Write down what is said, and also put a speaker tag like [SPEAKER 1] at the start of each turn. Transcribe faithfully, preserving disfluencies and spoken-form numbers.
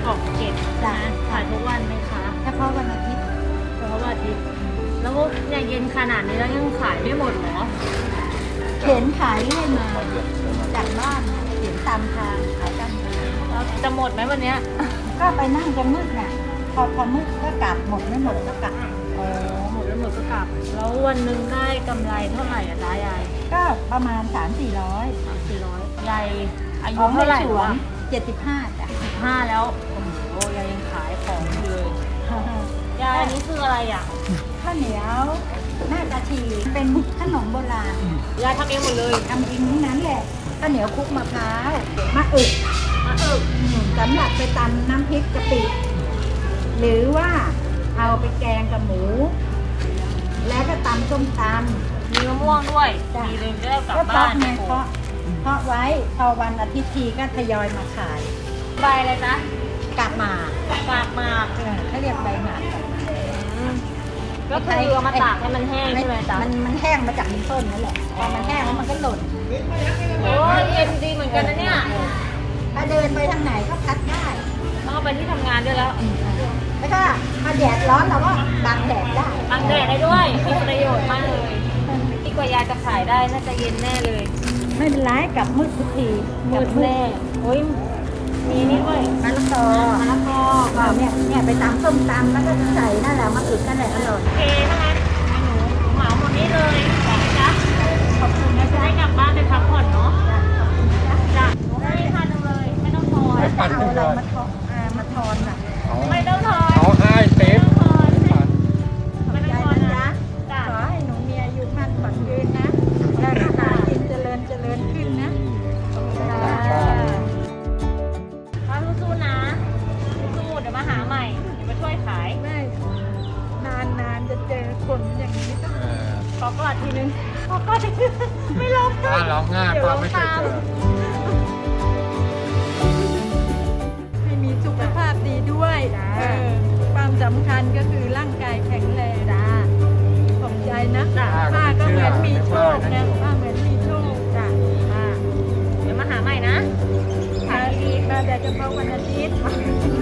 [SPEAKER 1] ของเก็บ
[SPEAKER 2] จ้ะ
[SPEAKER 1] นะขายทุกวันไหมคะ
[SPEAKER 2] เฉพาะวันอาทิตย์
[SPEAKER 1] เฉพาะวันอาทิตย์แล้วเนี่ยเย็นขนาดนี้แล้วยังขายไม่หมดเหรอ
[SPEAKER 2] เข็นขายเรื่อยมาจากบ้านเข็นตามทางขายกัน
[SPEAKER 1] แล้วจะหมดไหมวันเนี้ย
[SPEAKER 2] ก็ไปนั่งจนมืดน่ะพอพอมืดก็กลับหมดไม่หมดก็กลับ
[SPEAKER 1] อ๋อหมดแล้วหมดก็กลับ แล้ววันหนึ่งได้กำไรเท่าไหร่อะจ๊ะยาย
[SPEAKER 2] ก็ประมาณสามสี่ร้อย
[SPEAKER 1] สามสี่ร้อยยายอายุเท่าไหร่
[SPEAKER 2] สว
[SPEAKER 1] วะ
[SPEAKER 2] นเจ็ดสิบห้าจ้ะ
[SPEAKER 1] ห้าแล้วโอ้โหยายยังขายของอยู่เลยยายอันนี้คืออะไรอ่ะ
[SPEAKER 2] ข้าวเหนียวหน้ากะทิเป็นขนมโบราณ
[SPEAKER 1] ยายทำเองหมดเลย
[SPEAKER 2] ทำเองทั้งนั้นแหละข้าวเหนียวคลุกมะพร้าวมะอึก
[SPEAKER 1] มาเออ
[SPEAKER 2] อืมสำหรับไปตำน้ำพริกกะปิหรือว่าเอาไปแกงกับหมู แล้วก็ตำส้มตำ
[SPEAKER 1] มีมะม่วงด้วย
[SPEAKER 2] จ้ะ
[SPEAKER 1] มีเลยได้กลับ
[SPEAKER 2] ก็เพาะ
[SPEAKER 1] บ้าน
[SPEAKER 2] ไงเพาะเพาะไว้พอวันอาทิตย์ทีก็ทยอยมาขาย
[SPEAKER 1] ใบอะไรจ๊ะ
[SPEAKER 2] กาบหมาก
[SPEAKER 1] ฝากมาก
[SPEAKER 2] เออเขาเรียกใบหมาก
[SPEAKER 1] อืมก็คือเอามาตากให้มันแห้งใช่ไหมจ๊ะ
[SPEAKER 2] มันมันแห้งมาจากลำต้นนั่นแหละพอมันแห้งแล้วมันก็หล่น
[SPEAKER 1] โอ้ยเย็นดีเหมือนกันนะเนี่ย
[SPEAKER 2] ถ้าเดินไปทางไหนก็พัดได้
[SPEAKER 1] ต้องเอาไปที่ทำงานด้วยแล้ว
[SPEAKER 2] แล้วก็ถ้าแดดร้อนเราก็บังแดดได้
[SPEAKER 1] บังแดดได้ด้วยมีประโยชน์มากเลยที่กว่ายายจะขายได้น่าจะเย็นแน่เลย
[SPEAKER 2] ไม่เป็นไรกลับมืดทุกที
[SPEAKER 1] มืดแน่โอ้ยมีนี่ด้วย
[SPEAKER 2] มะละกอ
[SPEAKER 1] มะละกอ
[SPEAKER 2] ก็เนี่ยเนี่ยไปตำส้มตำแล้วก็ใส่นั่นแหละมะอึกนั่นแหละอร่อย
[SPEAKER 1] โอเคถ้างั้นให้หนูเหมาหมดนี้เลยจ้ะ
[SPEAKER 2] ขอบคุณนะ
[SPEAKER 1] จะ
[SPEAKER 2] จ๊ะ
[SPEAKER 1] ได้กลับบ้านไปพักผ่อนเนาะ
[SPEAKER 2] ขอบคุณนะจ๊ะ
[SPEAKER 1] จ้ะหนูให้พันหนึ่งเลย ไม่ต้องทอน
[SPEAKER 2] แล้วจะเอาอะไรมาทอนอ่ามาทอนน่ะ
[SPEAKER 1] ไม่ต้องทอน
[SPEAKER 3] เอาให้เต็ม
[SPEAKER 1] ไม่ต้องทอน
[SPEAKER 2] ขอบใจนะจ๊ะ
[SPEAKER 1] จ้ะ
[SPEAKER 2] ขอให้หนูมีอายุมั่นขวัญยืนนะแล้วก็หากินเจริญเจริญขึ้นนะขอบคุณค่ะ
[SPEAKER 1] ป้าสู้ๆนะสู้ๆเดี๋ยวมาหาใหม่เดี๋ยวมาช่วยขาย
[SPEAKER 2] ไม่นานนานๆจะเจอคนอย่างนี้ต้อง
[SPEAKER 3] เออ
[SPEAKER 1] ขอกอดทีนึงขอกอดทีนึงไม่ลง
[SPEAKER 3] ถ้าร้องง่าย
[SPEAKER 1] เดี๋ยว
[SPEAKER 3] ป้า
[SPEAKER 1] ร้อง
[SPEAKER 3] ไม่เคย
[SPEAKER 1] ตาม
[SPEAKER 3] เจอ
[SPEAKER 2] ให้มีสุขภาพดีด้วยเออความสำคัญก็คือร่างกายแข็งแรงจ้าขอบใจนะป้าก็เหมือนมีโชคนะป้าเหมือนมีโชคจ้ะ
[SPEAKER 1] ค่ะเดี๋ยวมาหาใหม่นะขายดี
[SPEAKER 2] มาแต่เฉพาะวันอาทิตย์